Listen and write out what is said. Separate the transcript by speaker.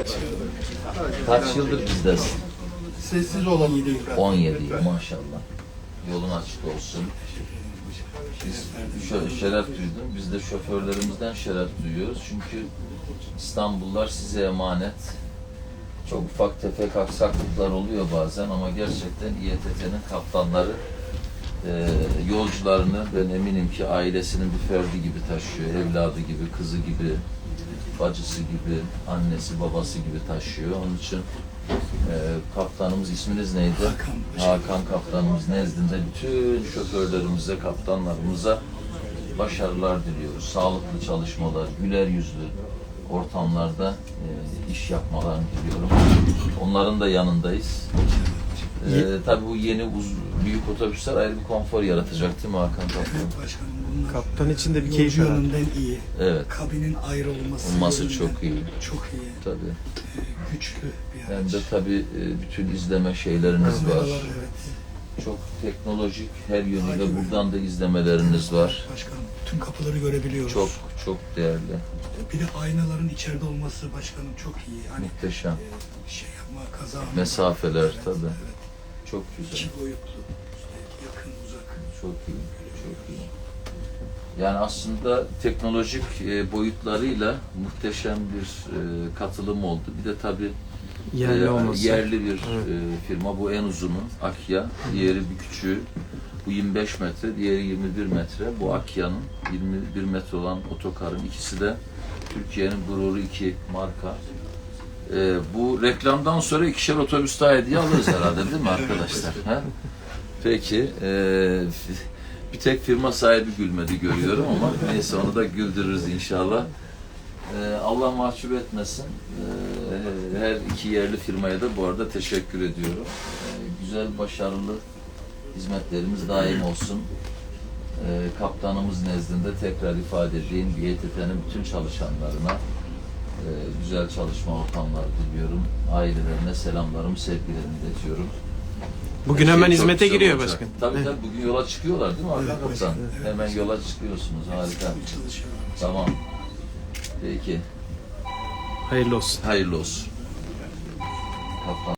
Speaker 1: Kaç yıldır bizdesin?
Speaker 2: Sessiz olan
Speaker 1: 17 yıl maşallah. Yolun açık olsun. Biz şöyle şeref duydum. Biz de şoförlerimizden şeref duyuyoruz. Çünkü İstanbullular size emanet. Çok ufak tefek aksaklıklar oluyor bazen ama gerçekten İETT'nin kaptanları yolcularını ben eminim ki ailesinin bir ferdi gibi taşıyor. Evladı gibi, kızı gibi, bacısı gibi, annesi, babası gibi taşıyor. Onun için kaptanımız, isminiz neydi? Hakan kaptanımız nezdinde bütün şoförlerimize, kaptanlarımıza başarılar diliyoruz. Sağlıklı çalışmalar, güler yüzlü ortamlarda iş yapmalarını diliyorum. Onların da yanındayız. Tabii bu yeni büyük otobüsler ayrı bir konfor yaratacak değil mi Hakan Kaptan?
Speaker 2: Evet başkanım. Bunlar
Speaker 3: Kaptan için de bir keyif
Speaker 2: yolcu
Speaker 3: herhalde.
Speaker 2: yönünden iyi.
Speaker 1: Evet.
Speaker 2: Kabinin ayrı olması.
Speaker 1: Olması
Speaker 2: yönünden
Speaker 1: çok iyi.
Speaker 2: Çok iyi.
Speaker 1: Tabii.
Speaker 2: Güçlü bir
Speaker 1: Hem
Speaker 2: araç.
Speaker 1: de tabii bütün izleme şeyleriniz var.
Speaker 2: Kameralar, evet.
Speaker 1: Çok teknolojik her yönüyle buradan da izlemeleriniz var.
Speaker 2: Başkanım tüm kapıları görebiliyoruz.
Speaker 1: Çok çok değerli.
Speaker 2: Bir de aynaların içeride olması başkanım çok iyi. Hani
Speaker 1: Muhteşem.
Speaker 2: şey yapma, kaza.
Speaker 1: Mesafeler
Speaker 2: Evet,
Speaker 1: tabii.
Speaker 2: Evet.
Speaker 1: Çok güzel.
Speaker 2: İki boyutlu. İşte yakın, uzak.
Speaker 1: Çok iyi. Çok iyi. Yani aslında teknolojik boyutlarıyla muhteşem bir katılım oldu. Bir de tabii
Speaker 3: Yerli olması.
Speaker 1: yerli bir firma. Bu en uzunu Akya. Diğeri bir küçüğü. Bu 25 metre, diğeri 21 metre. Bu Akya'nın 21 metre olan otokarın ikisi de Türkiye'nin gururu, iki marka. Bu reklamdan sonra ikişer otobüs daha hediye alırız herhalde değil mi arkadaşlar? Ha? Peki. Bir tek firma sahibi gülmedi görüyorum ama neyse onu da güldürürüz inşallah. Allah mahcup etmesin. Her iki yerli firmaya da bu arada teşekkür ediyorum. Güzel, başarılı hizmetlerimiz daim olsun. Kaptanımız nezdinde tekrar ifade edeyim. İETT'nin bütün çalışanlarına güzel çalışma ortamları diliyorum. Ailelerine selamlarımı, sevgilerimi iletiyorum.
Speaker 3: Bugün
Speaker 1: Her
Speaker 3: hemen
Speaker 1: şey çok
Speaker 3: hizmete
Speaker 1: güzel
Speaker 3: giriyor
Speaker 1: olacak.
Speaker 3: başkan.
Speaker 1: Tabii tabii bugün yola çıkıyorlar değil mi
Speaker 2: Evet,
Speaker 1: Hakan
Speaker 2: başkan,
Speaker 1: Kaptan?
Speaker 2: evet,
Speaker 1: Hemen
Speaker 2: başkan.
Speaker 1: yola çıkıyorsunuz. Harika.
Speaker 2: Çalışıyorlar.
Speaker 1: Tamam. Peki.
Speaker 3: Hayırlı olsun.
Speaker 1: Hayırlı olsun. Kaptan.